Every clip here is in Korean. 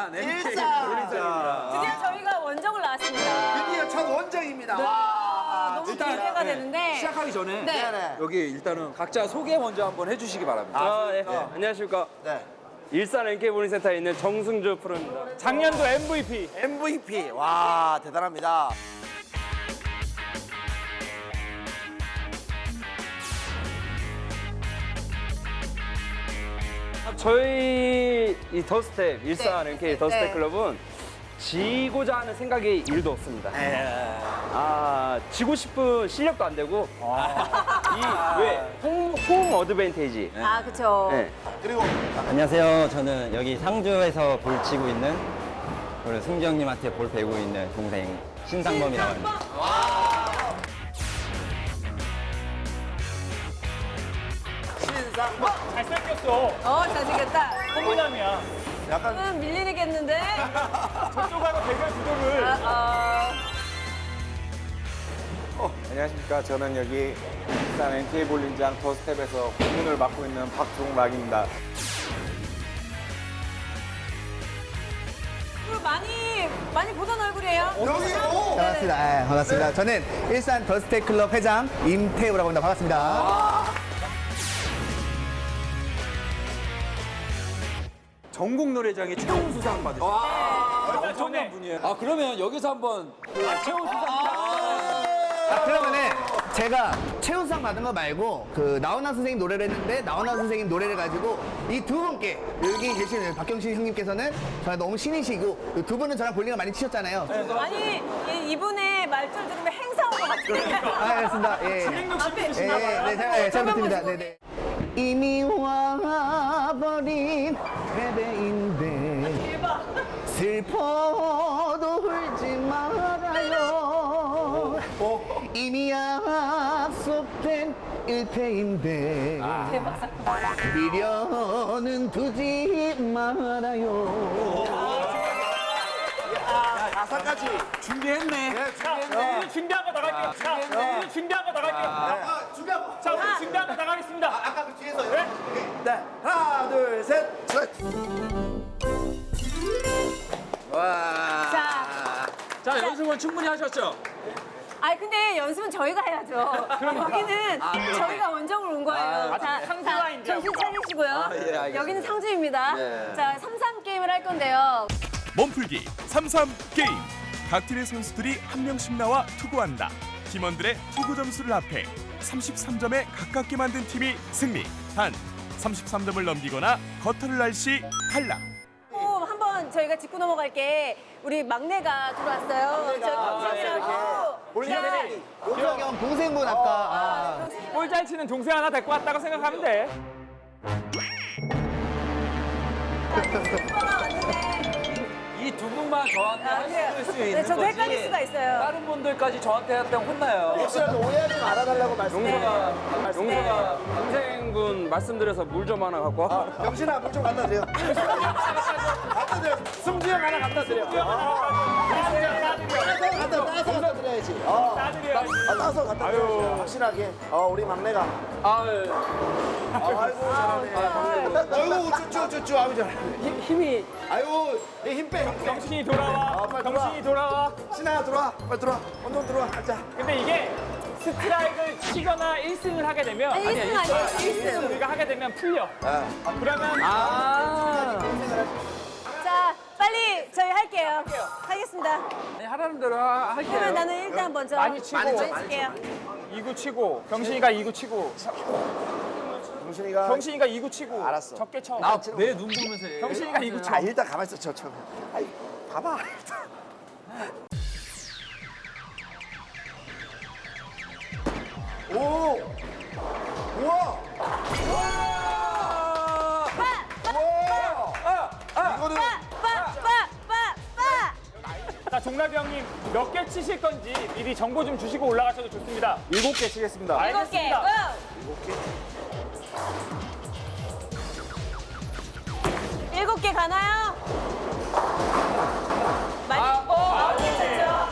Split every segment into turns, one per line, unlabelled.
일산 NK
일산.
볼링장입니다.
드디어 저희가 원정을 나왔습니다.
드디어 첫 원정입니다.
아,
와.
너무
일단,
기대가
네.
되는데.
시작하기 전에
네.
네네.
여기 일단은 각자 소개 먼저 한번 해주시기 바랍니다.
네. 안녕하십니까.
네.
일산 NK볼링센터에 있는 정승주 프로입니다. 작년도 MVP.
MVP. 와, 대단합니다.
저희 이 더스텝, 일산
네.
NK 더스텝
네.
클럽은 지고자 하는 생각이 1도 없습니다. 지고 싶은 실력도 안 되고, 홈 어드밴테이지.
아, 그쵸.
네.
그리고
안녕하세요. 저는 여기 상주에서 볼 치고 있는 그리고 승주 형님한테 볼 배우고 있는 동생 신상범이라고 합니다.
신상범.
잘생겼다.
호미남이야.
약간
밀리겠는데?
저쪽하고 대결 구도를.
안녕하십니까. 저는 여기 일산 NK 볼링장 더스텝에서 고문을 맡고 있는 박종락입니다.
많이 보던 얼굴이에요.
여기 오.
반갑습니다. 네, 반갑습니다. 저는 일산 더스텍 클럽 회장 임태우라고 합니다. 반갑습니다.
전국 노래장의 최우 수상 받으셨어요. 엄청난 분이에요. 아 그러면 여기서 한번 최우 수상.
자, 그러면은 제가 최우상 받은 거 말고 그 나훈아 선생님 노래를 했는데 나훈아 선생님 노래를 가지고 이 두 분께 여기 계시는 박경신 형님께서는 저랑 너무 신이시고 이 두 분은 저랑 볼링을 많이 치셨잖아요.
아니, 이분의 말투를 들으면 행사 온 것 같은데.
알겠습니다. 예. 잘 부탁드립니다. 네네. 이미 와버린 패배인데 슬퍼도 울지 말아요. 이미 약속된 1패인데 미련은 두지 말아요.
가사까지.
준비했네.
우리 준비한 거 나갈게요. 우리 준비한 거 나갈게요.
준비하고.
자, 우리 준비한 거 나가겠습니다.
아까 그 뒤에서요. 네. 하나, 둘, 셋.
자,
자 연습은 충분히 하셨죠?
근데 연습은 저희가 해야죠. 여기는 저희가 원정을 온 거예요. 자,
상주와인데요.
정신 차리시고요.
예, 알겠습니다.
여기는 상주입니다.
네.
자, 3-3 게임을 할 건데요.
몸풀기 3-3 게임. 각 팀의 선수들이 한 명씩 나와 투구한다. 팀원들의 투구 점수를 합해 33점에 가깝게 만든 팀이 승리. 단 33점을 넘기거나 거터를 날 시 탈락.
한번 저희가 짚고 넘어갈게. 우리 막내가 들어왔어요. 저 경선이라고.
볼링
용석이 형 동생분 아까
볼 잘 치는 동생 하나 데리고 왔다고 생각하면 돼.
이 두 분만 저한테 할 수 있는
네, 저도
거지.
헷갈릴 수가 있어요.
다른 분들까지 저한테 했다면 혼나요.
혹시라도 오해하지 말아달라고 말씀드려요.
용서가 동생분 말씀드려서 물 좀 하나 갖고 와.
병신아, 물 좀 갖다 드려. 갖다 드려. 승주 형 하나 갖다 드려. 따서 갖다 드려야지. 따서 갖다 드려. 확실하게. 우리 막내가. 아이고, 잘하네. 아이고, 쭈쭈쭈쭈. 아이고, 잘하네.
힘이
아이고, 힘 빼.
정신이 돌아와.
빨리
정신이 돌아와.
신아야, 들어와. 빨리 들어와. 운동 들어와. 앉아.
근데 이게 스트라이크를 치거나 1승을 하게 되면
1승 아니에요, 1승.
우리가 하게 되면 풀려. 그러면
자, 빨리 저희 할게요. 하겠습니다.
아니, 하라는 대로 할게요.
그러면 나는 일단 먼저
많이 치고.
많이 칠게요.
2구 치고 경신이가 2구 치고
정신이가.
경신이가 2구 치고
알았어.
적게 쳐.
내 눈 보면서 해.
경신이가 2구 쳐.
일단 가만히 있어, 저. 아이, 봐봐. 오! 우와! 이거는
자, 종락이 형님 몇 개 치실 건지 미리 정보 좀 주시고 올라가셔도 좋습니다.
7개 치겠습니다.
7개.
알겠습니다.
일곱 개 가나요? 많이 괜찮죠?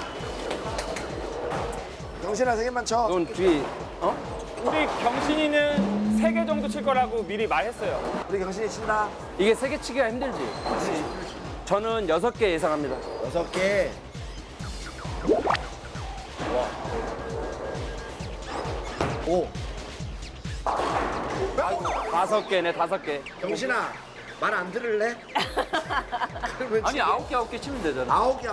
정신아, 세 개만 쳐.
넌 뒤에
우리 경신이는 3개 정도 칠 거라고 미리 말했어요.
우리 경신이 친다.
이게 3개 치기가 힘들지. 저는 6개 예상합니다.
6개. 오.
5개네, 5개.
경신아, 말 안 들을래? 그러면
아니,
지금
9개 치면 되잖아.
9개.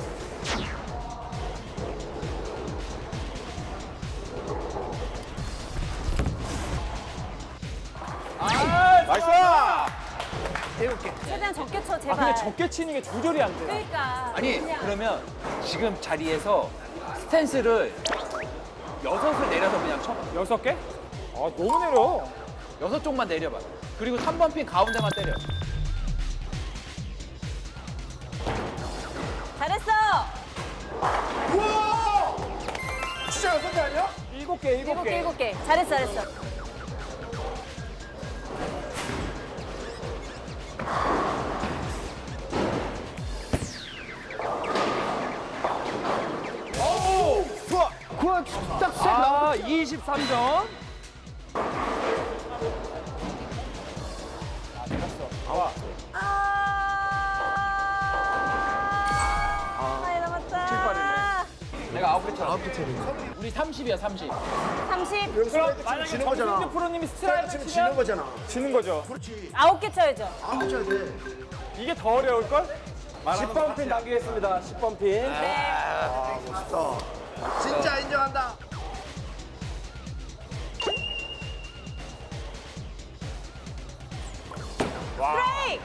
나이스!
7개.
최대한 적게 쳐
아,
제발.
근데 적게 치는 게 조절이 안 돼.
그러니까.
아니,
그냥.
그러면 지금 자리에서 스탠스를 6을 내려서 그냥 쳐봐.
6개? 아, 너무 내려.
6쪽만 내려봐. 그리고 3번 핀 가운데만 때려.
잘했어.
우와! 진짜 6개 아니야?
7개, 7개.
7개. 잘했어, 잘했어.
그거 딱 셋.
아, 23점.
많이 남았다.
내가 9개 쳐. 9개 쳐. 우리 30이야, 30.
30.
그럼 만약에
지는 거잖아.
정승주 프로님이 스트라이크
지금 지는
치면
거잖아.
지는 거죠.
그렇지.
9개 쳐야죠.
아, 쳐야 돼.
이게 더 어려울걸?
10번 핀 남기겠습니다. 10번 핀.
아, 멋있다. 진짜 인정한다.
브레이크!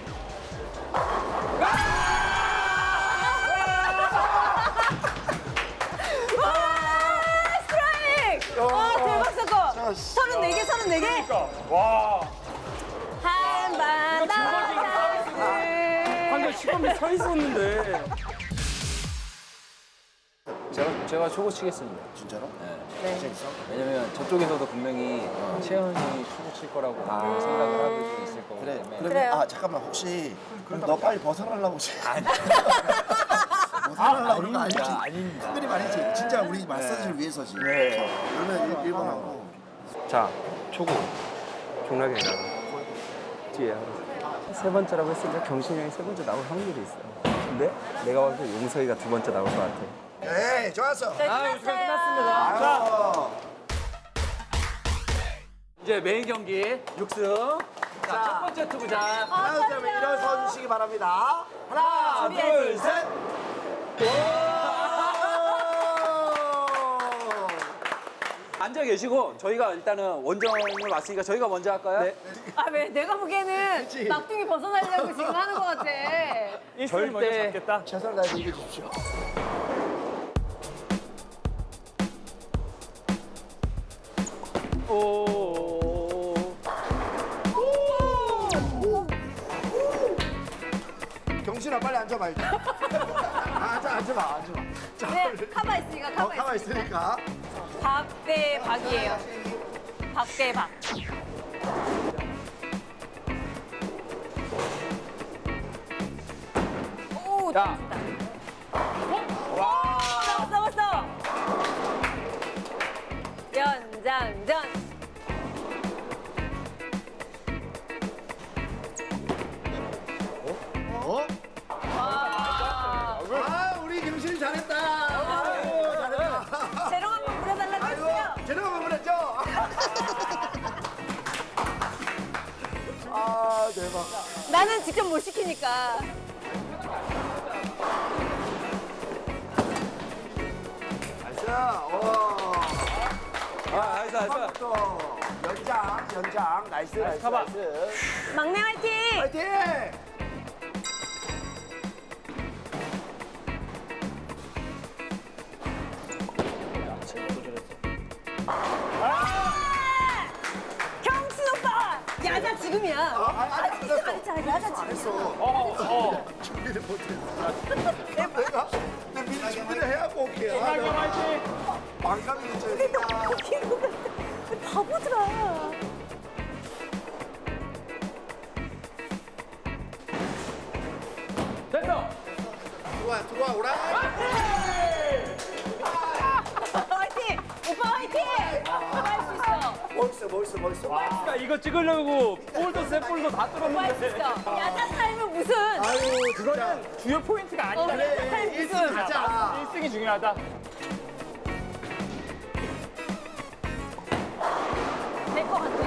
와, 스트라이크! 와, 대박 사건! 34개, 34개!
그러니까. 와.
한반
방금 10번 핀 서 있었는데.
제가 초고 치겠습니다.
진짜로?
네. 왜냐면 저쪽에서도 분명히 채연이 초고 칠 거라고 생각을 하고 있을 거기
그래.
때문에.
그러면
그래요.
아, 잠깐만. 혹시 그럼 너 빨리 벗어나려고 지금. 벗어나려고 그런 거 아니지?
아닙니다.
큰일이 아니지. 진짜 우리 마사지를 위해서지. 그러면 1번 하고.
자, 초구. 종락이 나가. 뒤에 세 번째라고 했으니까 경신이 형이 세 번째 나올 확률이 있어. 근데 내가 봤을 때 용서이가 두 번째 나올 것 같아.
에이, 좋았어.
끝났어요.
자.
이제 메인 경기 6승. 자, 첫 번째 투구장.
하나, 둘, 셋 일어서 주시기 바랍니다. 하나,
준비해야지.
둘, 셋.
앉아 계시고 저희가 일단은 원정을 왔으니까 저희가 먼저 할까요? 네.
아, 왜? 내가 보기에는 막둥이 벗어나려고 지금 하는 것 같아.
일승을 먼저
절대.
잡겠다.
최선을 다해서 이겨주십시오.
오.
경신아, 빨리 앉아봐, 일단. 앉아봐. 자,
네, 카바 있으니까, 카바
가만
있으니까.
있으니까.
박 대 박이에요. 박 대 박. 오,
야.
좋다. 싸웠어. 연장전.
어? 아, 우리 경신이 잘했다. 아이고, 잘했다.
재롱 한번 부려달라고 했어요.
제대로 보냈죠? 아, 대박.
나는 직접 못 시키니까.
나이스. 오.
나이스.
또 연장. 나이스.
가봐.
나이스.
막내 화이팅!
파이팅!
경신 오빠! 야자 지금이야.
아니,
진짜 야자 야자 지금.
준비를 못했어. 내가 미리 준비를 해야고 올게.
종락이 형 화이팅!
망감이 됐죠.
웃기는 거 같아. 바보들아.
됐어.
들어와, 오라.
화이팅! 오빠 화이팅! 오빠 할 수 있어.
멋있어. 멋있어.
그러니까 이거 찍으려고 볼도 세 볼도 다 뚫었는데.
맛있어. 야자 타임은 무슨?
아유, 그거는
주요 포인트가 아니다.
야자 타임 무슨?
가자.
1승이 중요하다.
될 것 같아.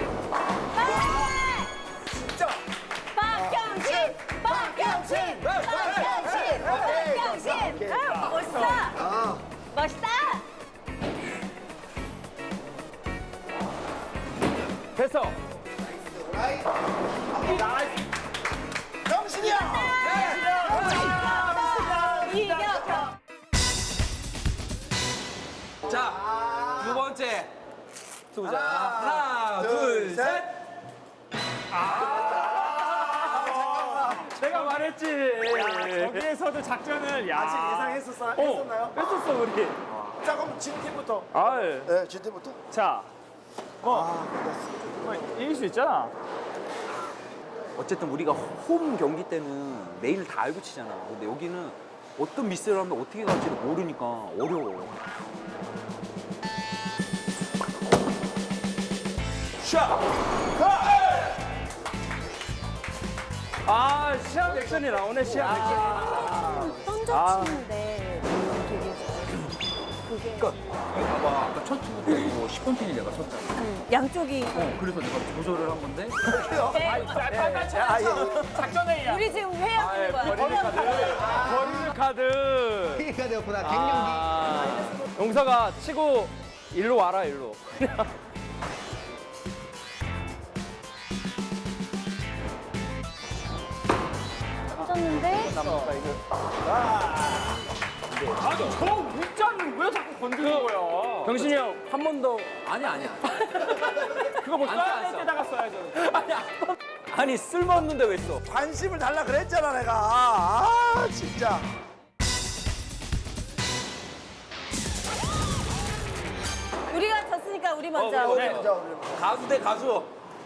진짜.
박경신! 박경신! 아, 멋있다. 멋있다.
됐어.
정신이야.
이겨.
자, 두 번째 쏘자. 하나, 둘, 셋.
내가 말했지. 저기에서도 작전을
아직 예상했었나요?
뺐었어 우리.
자, 그럼 진 팀부터.
아, 예.
네, 진 팀부터.
자, 뭐 이길 수 있잖아.
어쨌든 우리가 홈 경기 때는 매일 다 알고 치잖아. 근데 여기는 어떤 미스를 하면 어떻게 갈지를 모르니까 어려워.
아, 시합 액션이 나오네, 시합 액션.
던져치는데 되게 그게
그러니까 이거 봐봐. 아까 첫 투구 때 이거 10번 핀이 내가 쳤잖아.
양쪽이
그래서 내가 조절을 한 건데.
작전회의야.
우리 지금 회의하는 거야.
버리는 카드.
피해가 되었구나. 갱년기.
용서가 치고 일로 와라, 일로.
던졌는데
아니, 저 문자는 왜 자꾸 건드는 거야? 병신이 형, 한 번 더.
아니야.
그거 뭐
안
써야
써.
될 때다가 써야죠.
아니 쓸모없는데 왜 써?
관심을 달라 그랬잖아, 내가. 아, 진짜.
우리가 졌으니까 우리 먼저.
네.
가수 대 가수.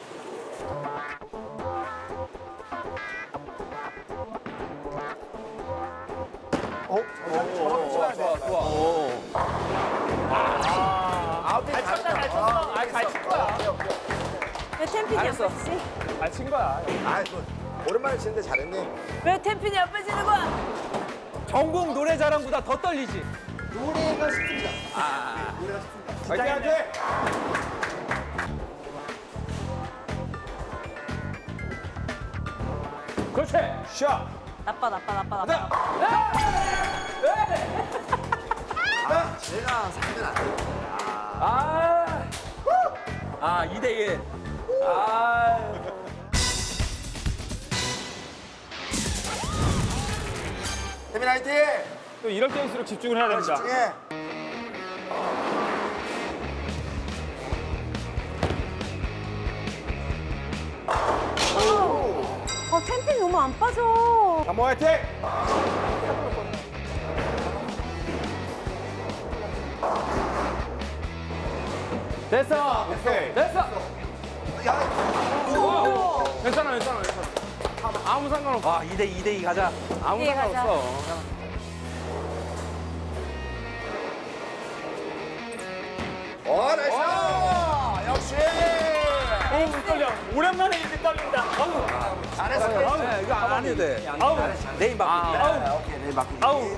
잘 쳤어. 잘 친 거야.
왜 템핀이
알았어.
옆에 지지?
잘 친 거야.
아, 오랜만에 치는데 잘했네.
왜 템핀이 옆에 지는 거야?
전국 노래자랑보다 더 떨리지.
노래가 쉽습니다.
파이팅! 그렇지. 샷.
나빠.
제가 상대는 안 돼.
아 2대1.
태민 화이팅!
또 이럴 때일수록 집중을 해야 됩니다.
집중해.
템핀 너무 안 빠져.
한번 화이팅! 됐어.
오케이.
됐어. 괜찮아. 아무 상관없어.
2대2 가자.
아무
예, 가자.
상관없어.
나이스! 역시!
어우, 떨려. 오랜만에 이렇게 떨린다. 아우.
잘했어.
이거 안 해도 돼.
아우.
내일 맡길게.
아, 오케이, 내일 맡길게.
아우.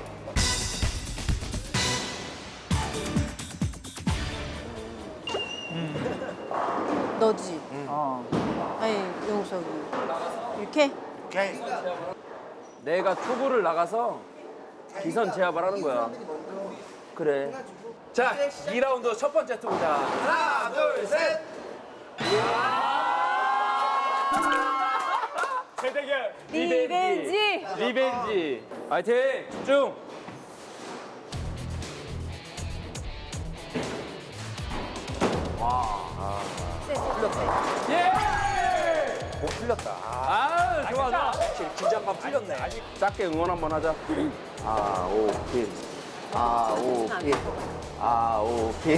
너지? 아니, 용석이. 이렇게?
오케이.
내가 투구를 나가서 기선 제압을 하는 거야. 그래.
자, 2라운드 첫 번째 투구자. 하나, 둘, 셋.
대대결.
리벤지.
리벤지. 화이팅. 집중.
못 풀렸다.
아, 좋아.
긴장감 풀렸네.
작게 응원 한번 하자. 오케이. 오케이.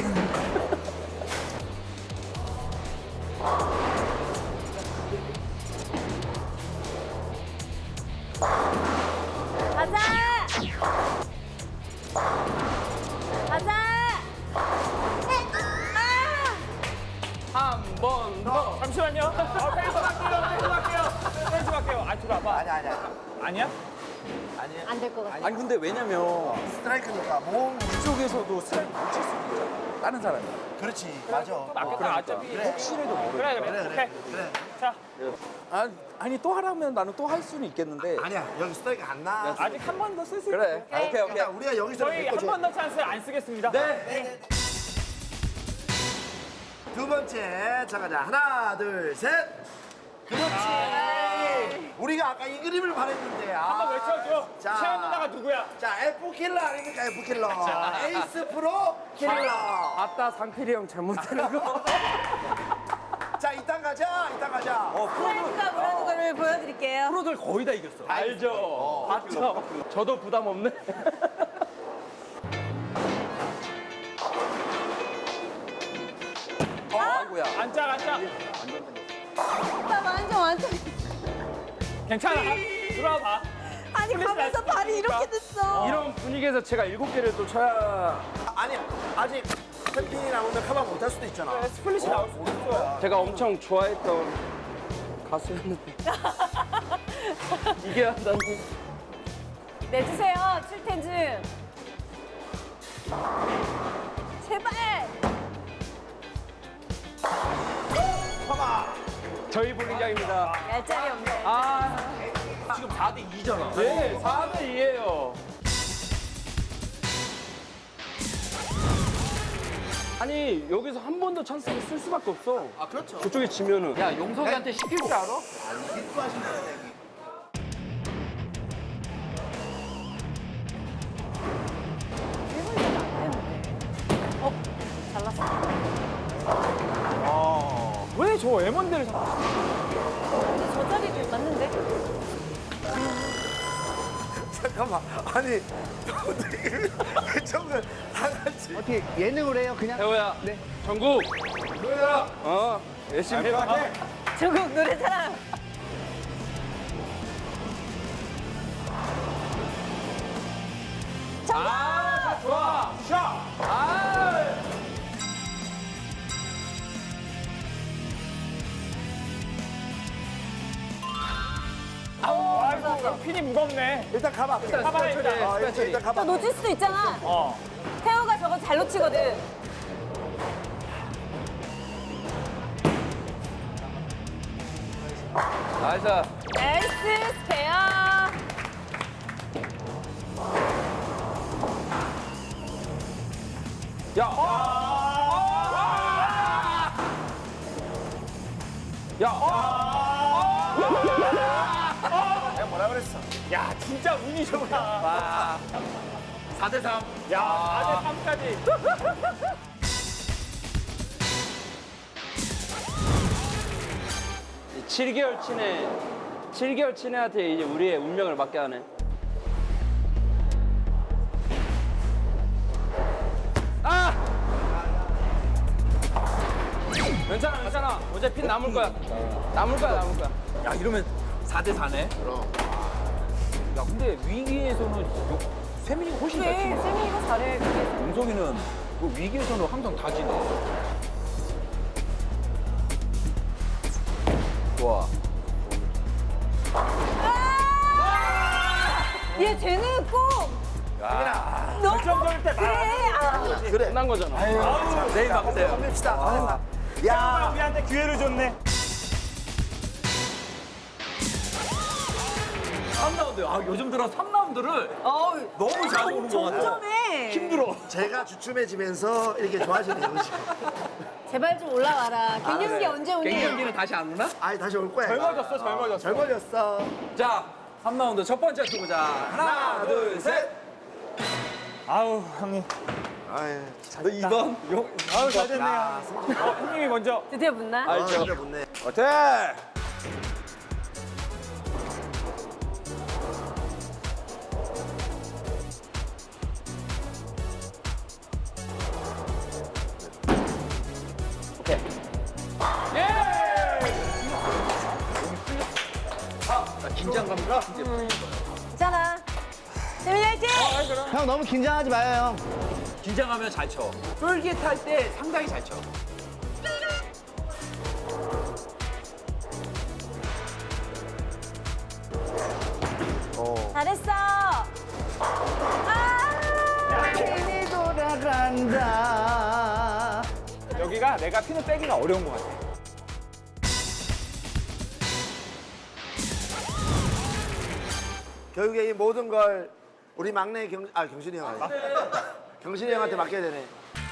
가자. 가자.
한 번 아니야?
안 될 것 같아.
아니 근데 왜냐면
스트라이크니까 몸
이쪽에서도 스트라이크 못 칠 수도 있잖아. 다른 사람이.
그렇지 맞아.
맞겠다. 어차피.
혹시라도 모르.
그래. 오케이. 자,
아니 또 하라면 나는 또 할 수는 있겠는데.
아니야 여기 스트라이크 안 나.
아직 한 번 더 쓸 수 있어.
그래. 오케이 오케이.
그러니까 우리가 여기서
저희 한 번 더 찬스 안 쓰겠습니다.
네.
두 번째 자 가자 하나 둘 셋. 그렇지. 우리가 아까 이 그림을 바랬는데.
한번 외쳐줘.
자.
채연 누나가 누구야?
자 F 킬러 아닙니까 F 킬러. 에이스 프로 킬러.
아따 상필이 형 잘못하는 거.
자 이따 가자 이따 가자.
스트라이크가 뭐라는 거를 보여드릴게요.
프로들 거의 다 이겼어.
알죠. 봤죠. 저도 부담 없네.
아이고야.
앉아.
나 완전.
괜찮아. 들어와봐.
아니 가면서 발이 이렇게 됐어.
이런 분위기에서 제가 7개를 또 쳐야
아니야 아직 챔피언이 나오면 커버 못할 수도 있잖아.
스플릿이 나올 수 있어.
제가 엄청 좋아했던 가수였는데 이게 한다니.
내주세요, 칠텐즈. 제발.
저희 볼링장입니다.
얄짤이 없네.
아,
지금 4대 2잖아.
네, 4대 2예요. 아니 여기서 한 번 더 찬스를 쓸 수밖에 없어.
아 그렇죠.
저쪽에 지면은.
야 용석이한테 시킬 줄 알아?
잘났어.
왜 저 M1대를 잡아?
저 자리도 맞는데?
잠깐만 아니 그 정도 다 같이.
어떻게 예능을 해요 그냥?
태호야. 네. 전국. 노래라. 열심히 해봐.
조국 노래자랑.
아, 좋아. 샷. 아.
아이고, 핀이 무겁네.
일단 가봐.
가봐야 일단.
일단 가봐.
또 놓칠 수도 있잖아.
어.
태호가 저거 잘 놓치거든.
나이스.
나이스 스페어.
야. 야.
내가 뭐라 그랬어?
야, 진짜 운이 좋다.
4대 3.
야, 4대 3까지.
7개월 친애한테 이제 우리의 운명을 맡게 하네. 아! 괜찮아. 어제 핀 남을 거야. 남을 거야.
야 이러면 4대 4네. 그럼. 야 근데 위기에서는 세민이가 훨씬 잘
그래,
치네.
세민이가 잘해. 그게.
용석이는 그 위기에서는 항상 다 지네. 좋아.
얘 쟤는 꼭. 너무
결정적일 때
그래. 아.
그래.
끝난 거잖아.
내일 막세요.
봅시다.
야, 우리한테 기회를 줬네.
3라운드. 아 요즘 들어 3라운드를 너무 자주 오는 것 같아.
점점해.
힘들어.
제가 주춤해지면서 이렇게 좋아지네요.
제발 좀 올라와라. 갱년기 언제 오니?
갱년기는 다시 안 오나?
아니 다시 올 거야.
젊어졌어.
젊어졌어.
자 3라운드 첫 번째 투구자. 하나 둘 셋.
아우, 형님.
아유,
너 2번.
아우, 잘 됐네요. 형님이 먼저.
드디어 붙나?
아, 진짜 못네.
어때?
긴장감이
있잖아. 세민이 화이팅!
형 너무 긴장하지 마요 형.
긴장하면 잘 쳐. 쫄깃할 때 상당히 잘 쳐.
잘했어.
힘이 돌아간다.
여기가 내가 핀을 빼기가 어려운 것 같아.
결국에 이 모든 걸 우리 막내 경신이 형 아니 경신이 형한테 맡겨야 되네.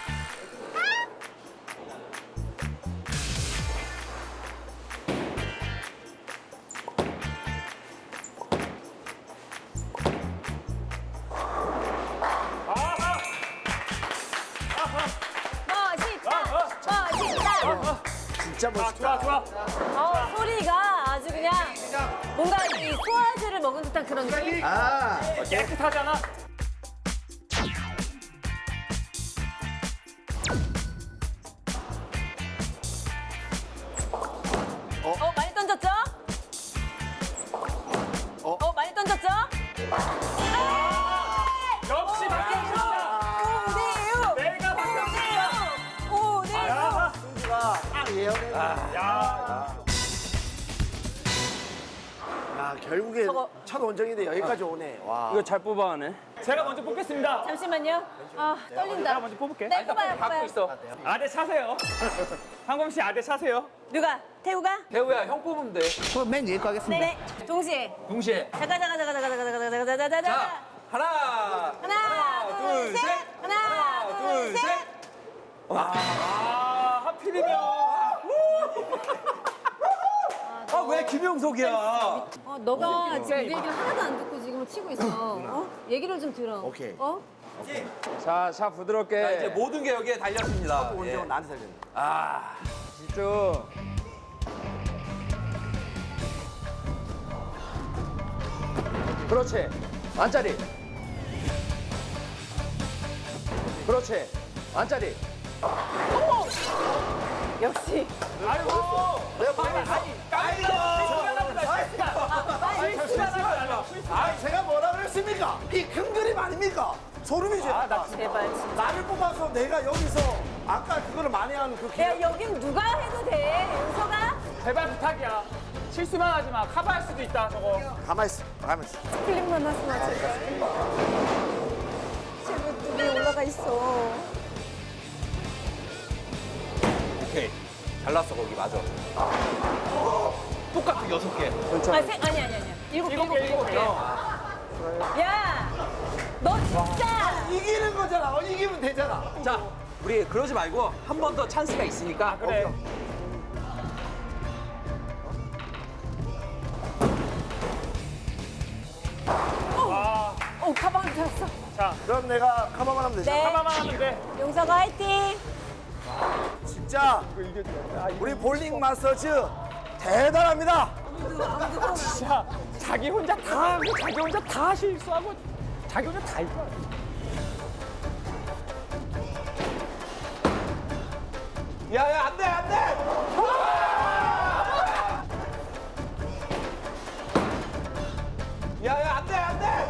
멋있다.
진짜
아,
멋있다.
좋아.
소리가 아주 그냥 뭔가 이 소화제를 먹은 듯한 그런 느낌?
아,
깨끗하잖아.
많이 던졌죠? 많이 던졌죠?
역시 박경신이다.
5대6!
내가 박경신이다.
5대6!
승주가 딱 예언해.
야,
야, 결국에
저거.
첫 원정인데 여기까지 오네. 와.
이거 잘 뽑아가네.
제가 먼저 뽑겠습니다.
잠시만요. 아, 떨린다.
내가 먼저 뽑을게.
네, 뽑아요, 뽑아요.
아대 차세요. 황범 씨 아대 차세요.
누가? 태우가?
대우야 형 뽑으면 돼.
그럼 맨 위에 거 하겠습니다.
네. 동시에.
동시에.
잠깐.
자 하나.
하나, 둘, 셋. 하나, 둘, 셋.
아, 하필이면.
아 왜 김영석이야?
너가 지금 우리 얘기를 하나도 안 듣고 지금 치고 있어. 얘기를 좀 들어.
오케이.
자, 부드럽게.
자, 이제 모든 게 여기에 달렸습니다.
첫 원정은 나한테 살렸네.
아
집중. 그렇지. 안짜리. 그렇지. 안짜리.
역시.
아이고.
아, 제가 뭐라 그랬습니까? 이 큰 그림 아닙니까? 소름이지.
제발. 진짜.
나를 뽑아서 내가 여기서 아까 그거를 만회하는 그
야,
기회.
여긴 누가 해도 돼. 윤서가?
제발 부탁이야. 실수만 하지 마. 커버할 수도 있다, 저거.
가만 있어. 가만 있어.
클릭만 하지 마, 제발. 제발 두 올라가 있어.
오케이. 잘났어 거기 맞아. 똑같은 6개.
아니. 일곱 개. 야, 너 진짜.
이기는 거잖아. 이기면 되잖아.
자 우리 그러지 말고 한 번 더 찬스가 있으니까.
그래.
가방 들었어.
자,
그럼 내가 카바만 하면 되잖아.
네.
하나만 하면 돼.
용서가 화이팅.
진짜 우리 볼링 마스터즈 대단합니다.
진짜 자기 혼자 다 하고 자기 혼자 다 실수하고 자기 혼자 다 이겨.
야야 안돼 안돼. 야야 안돼 안돼.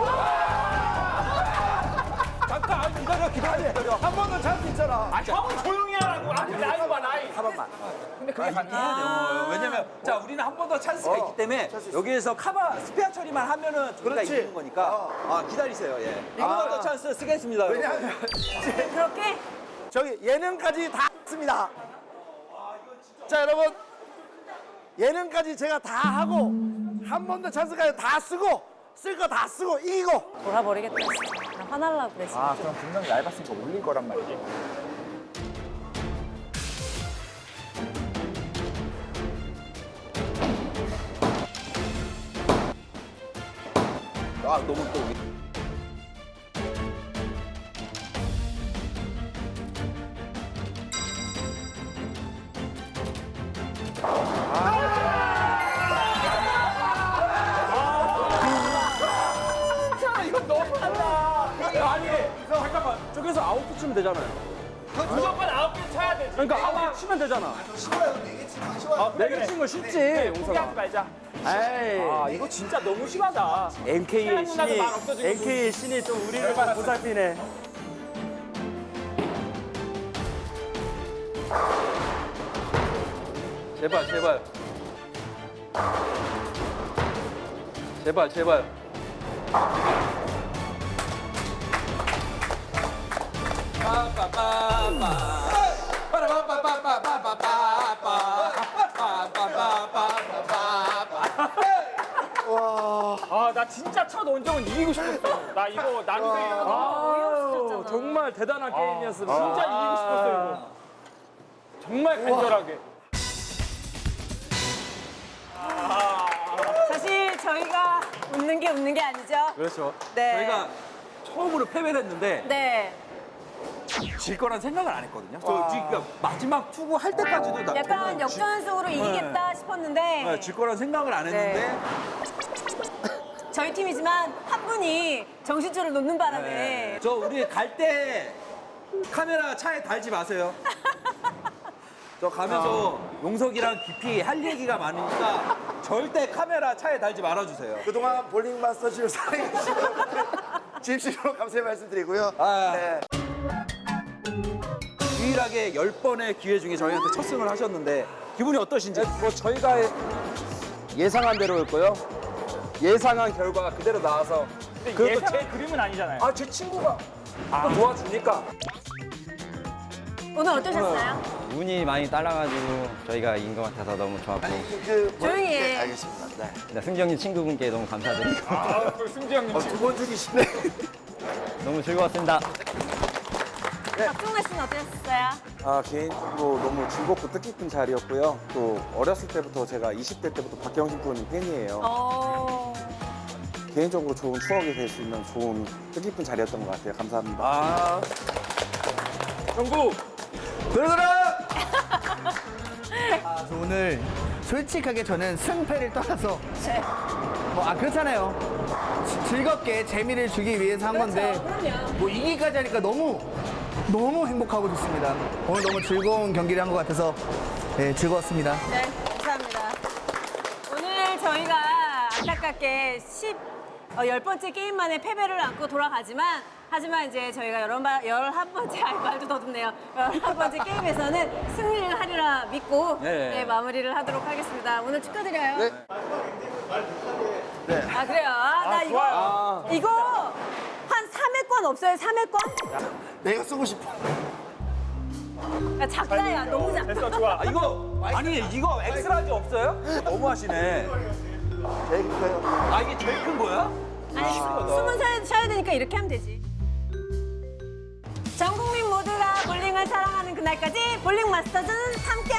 잠깐 기다려.
한 번 더 찬스 있잖아.
아, 형은 조용히 하라고. 아, 나이 봐, 나이.
카바만.
근데 그게
해야 돼요. 왜냐면 자 우리는 한 번 더 찬스가 있기 때문에 여기에서 카바 스페어 처리만 하면은 우리가
그렇지.
이기는 거니까 기다리세요. 예. 한 번 더 찬스 쓰겠습니다.
왜냐하면
그렇게?
저기 예능까지 다 했습니다. 자 여러분 예능까지 제가 다 하고 한 번 더 찬스까지 다 쓰고 쓸 거 다 쓰고 이기고
돌아버리겠다. 진짜. 나 화날라고 그래.
아, 그럼 분명 얇았으니까 올릴 거란 말이지.
아 너무 또.
이건 너무한다. 아니,
잠깐만. 저기서 아웃 치면 되잖아요.
무조건 9개 쳐야 되지.
그러니까 아웃 치면 되잖아. 쉬워요. 4개 치는 거 쉽지, 용서가.
포기하지 말자.
에이.
아, 이거 진짜 너무 심하다.
MK의
누나도
신이,
말 없어지고
MK의 신이 좀 우리를 좀 보살피네. 제발.
아, 나 진짜 첫 원정은 이기고 싶었어. 나 이거 나는
정말 대단한 게임이었습니다.
진짜 이기고 싶었어 이거. 정말 간절하게.
사실 저희가 웃는 게 아니죠.
그렇죠.
네.
저희가 처음으로 패배를 했는데
네.
질 거란 생각을 안 했거든요. 저 지금 마지막 투구 할 때까지도 나
약간
저는
역전승으로 이기겠다 싶었는데
질 거란 생각을 안 했는데
저희 팀이지만 한 분이 정신줄을 놓는 바람에
네. 저 우리 갈 때 카메라 차에 달지 마세요. 저 가면서 용석이랑 깊이 할 얘기가 많으니까 절대 카메라 차에 달지 말아주세요.
그동안 볼링 마스터즈를 사랑해주신 여러분들 진심으로 감사의 말씀드리고요. 네.
유일하게 10번의 기회 중에 저희한테 첫 승을 하셨는데 기분이 어떠신지?
뭐 저희가 예상한 대로였고요. 예상한 결과가 그대로 나와서
근데 예상한 그림은 아니잖아요.
제 친구가 또 도와주니까
오늘 어떠셨어요?
운이 많이 따라가지고 저희가 이긴 것 같아서 너무 좋았고
조용히 해.
네, 알겠습니다. 네.
일단 승정님 친구분께 너무 감사드리고
아, 승재 형님.
두번 죽이시네.
너무 즐거웠습니다.
박종래 씨는 어떠셨어요?
개인적으로 너무 즐겁고 뜻깊은 자리였고요. 또 어렸을 때부터 제가 20대 때부터 박경신 프로님 팬이에요. 개인적으로 좋은 추억이 될 수 있는 좋은 뜻깊은 자리였던 것 같아요. 감사합니다.
정국.
저 오늘 솔직하게 저는 승패를 떠나서 그렇잖아요. 즐겁게 재미를 주기 위해서 한 건데
그럼요.
뭐 이기까지 하니까 너무 행복하고 좋습니다. 오늘 너무 즐거운 경기를 한 것 같아서 네, 즐거웠습니다.
네, 감사합니다. 오늘 저희가 안타깝게 10번째 게임 만에 패배를 안고 돌아가지만 하지만 이제 저희가 11번째, 말도 더듬네요. 11번째 게임에서는 승리를 하리라 믿고
네.
네, 마무리를 하도록 하겠습니다. 오늘 축하드려요.
네.
아, 그래요? 나 이거 한 3회권 없어요? 3회권?
내가 쓰고 싶어.
야, 작다, 야. 너무 작다.
됐어, 좋아.
이거 엑스라지 없어요? 너무 하시네.
제일 커요.
이게 제일 큰 거야?
아니, 숨은 쉬어야 되니까 이렇게 하면 되지. 전 국민 모두가 볼링을 사랑하는 그날까지 볼링 마스터즈는 함께